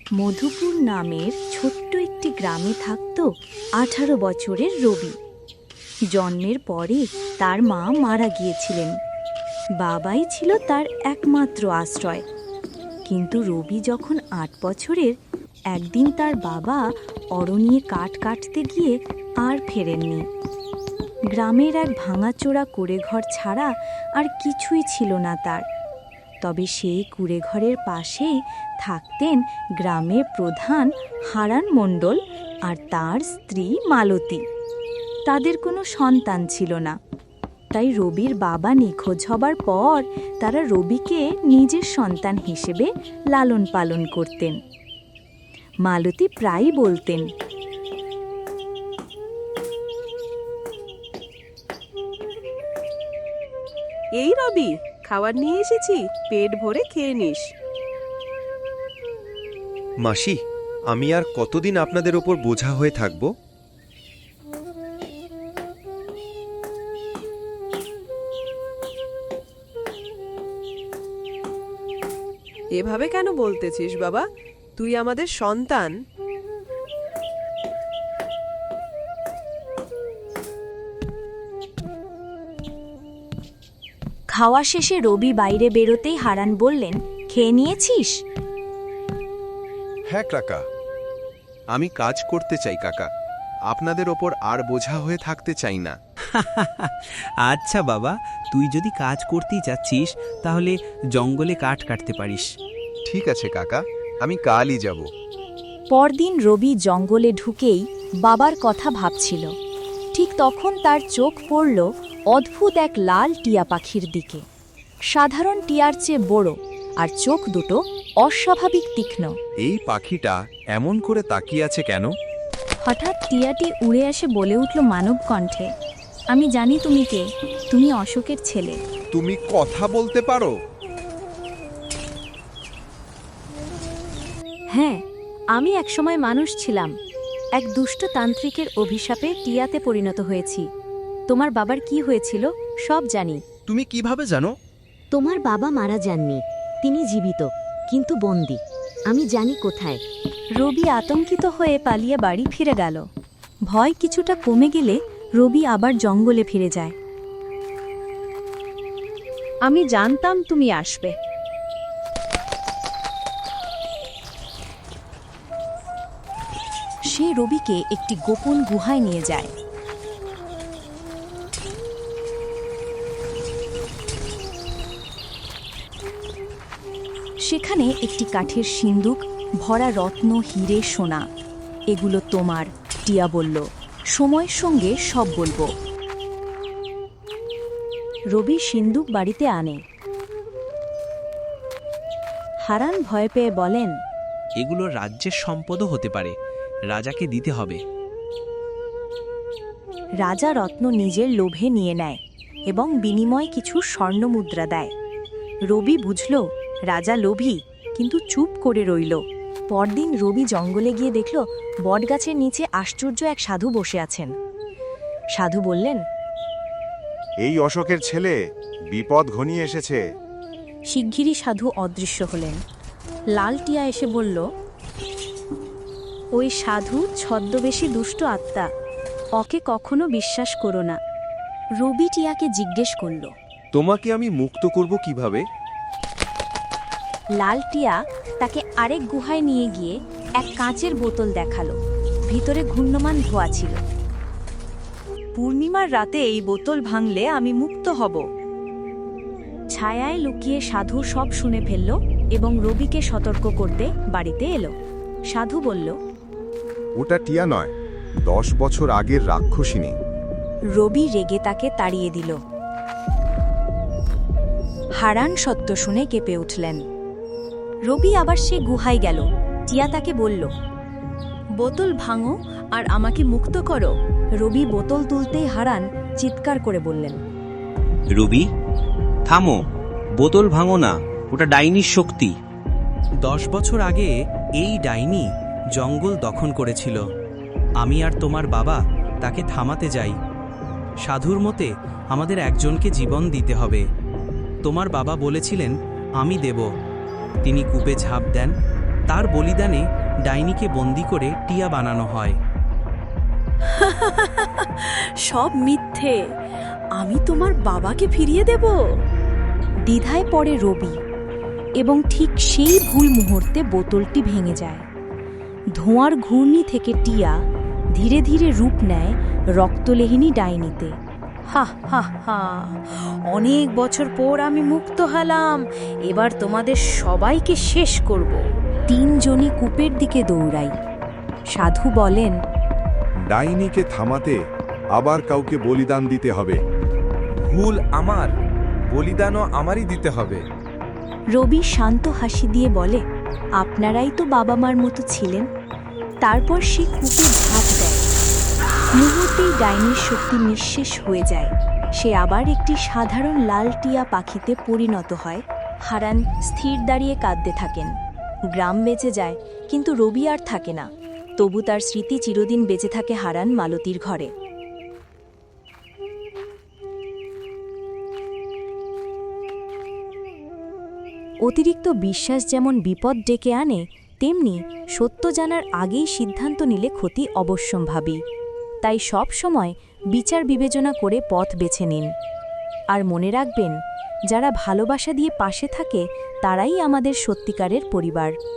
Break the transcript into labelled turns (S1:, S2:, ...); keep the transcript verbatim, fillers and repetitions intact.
S1: মধুপুর নামের ছোট্ট একটি গ্রামে থাকত আঠারো বছরের রবি। জন্মের পরে তার মা মারা গিয়েছিলেন। বাবাই ছিল তার একমাত্র আশ্রয়। কিন্তু রবি যখন আট বছরের, একদিন তার বাবা অরণ্যে কাঠ কাটতে গিয়ে আর ফেরেননি। গ্রামের এক ভাঙাচোরা কুঁড়েঘর ছাড়া আর কিছুই ছিল না তার। তবে সেই কুঁড়েঘরের পাশেই থাকতেন গ্রামের প্রধান হারান মণ্ডল আর তার স্ত্রী মালতী। তাদের কোনো সন্তান ছিল না, তাই রবির বাবা নিখোঁজ হবার পর তারা রবিকে নিজের সন্তান হিসেবে লালন পালন করতেন। মালতী প্রায়ই বলতেন,
S2: এই রবি, খাবার নিয়ে এসেছি, পেট ভরে খেয়ে নিস।
S3: মাসি, আমি আর কতদিন আপনাদের ওপর বোঝা হয়ে থাকব?
S2: এভাবে কেন বলতেছিস বাবা? তুই আমাদের সন্তান।
S1: খাওয়া শেষে রবি বাইরে বেরোতেই হারান বললেন, খেয়ে নিয়েছিস?
S4: হ্যাঁ কাকা, আমি কাজ করতে চাই কাকা, আপনাদের ওপর আর বোঝা হয়ে থাকতে চাই না।
S5: আচ্ছা বাবা, তুই যদি কাজ করতেই যাচ্ছিস তাহলে জঙ্গলে কাঠ কাটতে পারিস।
S4: ঠিক আছে কাকা, আমি কালই যাব।
S1: পরদিন রবি জঙ্গলে ঢুকেই বাবার কথা ভাবছিল। ঠিক তখন তার চোখ পড়ল অদ্ভুত এক লাল টিয়া পাখির দিকে। সাধারণ টিয়ার চেয়ে বড়, আর চোখ দুটো অস্বাভাবিক তীক্ষ্ণ।
S4: এই পাখিটা এমন করে তাকিয়ে আছে কেন?
S1: হঠাৎ টিয়াটি উড়ে এসে বলে উঠল মানব কণ্ঠে, আমি জানি তুমি কে, তুমি অশোকের ছেলে।
S4: তুমি কথা বলতে পারো?
S1: হ্যাঁ, আমি একসময় মানুষ ছিলাম। এক দুষ্ট তান্ত্রিকের অভিশাপে টিয়াতে পরিণত হয়েছি। তোমার বাবার কি হয়েছিল সব জানি।
S4: তুমি কিভাবে জানো?
S6: তোমার বাবা মারা যাননি, তিনি জীবিত, কিন্তু বন্দী। আমি জানি কোথায়।
S1: রবি আতঙ্কিত হয়ে পালিয়ে বাড়ি ফিরে গেল। ভয় কিছুটা কমে গেলে রবি আবার জঙ্গলে ফিরে যায়। আমি জানতাম তুমি আসবে। সে রবিকে একটি গোপন গুহায় নিয়ে যায়। সেখানে একটি কাঠের সিন্দুক ভরা রত্ন, হিরে, সোনা। এগুলো তোমার, টিয়া বলল। সময়ের সঙ্গে সব বলবো। রবি সিন্দুক বাড়িতে আনে। হারান ভয় পেয়ে বলেন,
S5: এগুলো রাজ্যের সম্পদও হতে পারে, রাজাকে দিতে হবে।
S1: রাজা রত্ন নিজের লোভে নিয়ে নেয় এবং বিনিময়ে কিছু স্বর্ণমুদ্রা দেয়। রবি বুঝল রাজা লোভী, কিন্তু চুপ করে রইল। পরদিন রবি জঙ্গলে গিয়ে দেখল বটগাছের নিচে আশ্চর্য এক সাধু বসে আছেন। সাধু বললেন,
S7: এই অশোকের ছেলে, বিপদ ঘনিয়ে এসেছে।
S1: শিগগিরই সাধু অদৃশ্য হলেন। লাল টিয়া এসে বলল, ওই সাধু ছদ্মবেশী দুষ্ট আত্মা, ওকে কখনো বিশ্বাস করো না। রবি টিয়াকে জিজ্ঞেস করল,
S3: তোমাকে আমি মুক্ত করব কিভাবে?
S1: লাল টিয়া তাকে আরেক গুহায় নিয়ে গিয়ে এক কাঁচের বোতল দেখালো। ভিতরে ঘূর্ণমান ধোঁয়া ছিল। পূর্ণিমার রাতে এই বোতল ভাঙলে আমি মুক্ত হব। ছায়ায় লুকিয়ে সাধু সব শুনে ফেলল এবং রবিকে সতর্ক করতে বাড়িতে এলো। সাধু বলল,
S7: ওটা টিয়া নয়, দশ বছর আগের রাক্ষসিনী।
S1: রবি রেগে তাকে তাড়িয়ে দিল। হারান সত্য শুনে কেঁপে উঠলেন। রবি আবার সে গুহায় গেল। টিয়া তাকে বলল, বোতল ভাঙো আর আমাকে মুক্ত করো। রবি বোতল তুলতেই হারান চিৎকার করে বললেন,
S5: রবি, থামো, বোতল ভাঙো না, ওটা ডাইনির শক্তি। দশ বছর আগে এই ডাইনি জঙ্গল দখল করেছিল। আমি আর তোমার বাবা তাকে থামাতে যাই। সাধুর মতে আমাদের একজনকে জীবন দিতে হবে। তোমার বাবা বলেছিলেন আমি দেব। তিনি কূপে ঝাঁপ দেন, তার বলিদানে ডাইনিকে বন্দি করে টিয়া বানানো হয়।
S2: সব মিথ্যে। আমি তোমার বাবাকে ফিরিয়ে দেব।
S1: দ্বিধায় পড়ে রবি এবং ঠিক সেই ভুল মুহূর্তে বোতলটি ভেঙে যায়। ধোঁয়ার ঘূর্ণি থেকে টিয়া ধীরে ধীরে রূপ নেয় রক্তলেহিনী ডাইনিতে।
S8: হা হা হা, অনেক বছর পর আমি মুক্ত হলাম। এবার তোমাদের সবাইকে শেষ করব।
S1: তিনজনই কূপের দিকে দৌড়াই। সাধু বলেন,
S7: ডাইনিকে থামাতে আবার কাউকে বলিদান দিতে হবে।
S9: ভুল আমার, বলিদানও আমারই দিতে হবে।
S1: রবি শান্ত হাসি দিয়ে বলে, আপনারাই তো বাবা মার মতো ছিলেন। তারপর সে কূপে ঝাঁপ দেয়। মুহূর্তেই ডাইনির শক্তি নিঃশেষ হয়ে যায়। সে আবার একটি সাধারণ লাল টিয়া পাখিতে পরিণত হয়। হারান স্থির দাঁড়িয়ে কাঁদতে থাকেন। গ্রাম বেঁচে যায়, কিন্তু রবি আর থাকে না। তবু তার স্মৃতি চিরদিন বেঁচে থাকে হারান মালতীর ঘরে। অতিরিক্ত বিশ্বাস যেমন বিপদ ডেকে আনে, তেমনি সত্য জানার আগেই সিদ্ধান্ত নিলে ক্ষতি অবশ্যম্ভাবী। তাই সব সময় বিচার বিবেচনা করে পথ বেছে নিন। আর মনে রাখবেন, যারা ভালোবাসা দিয়ে পাশে থাকে তারাই আমাদের সত্যিকারের পরিবার।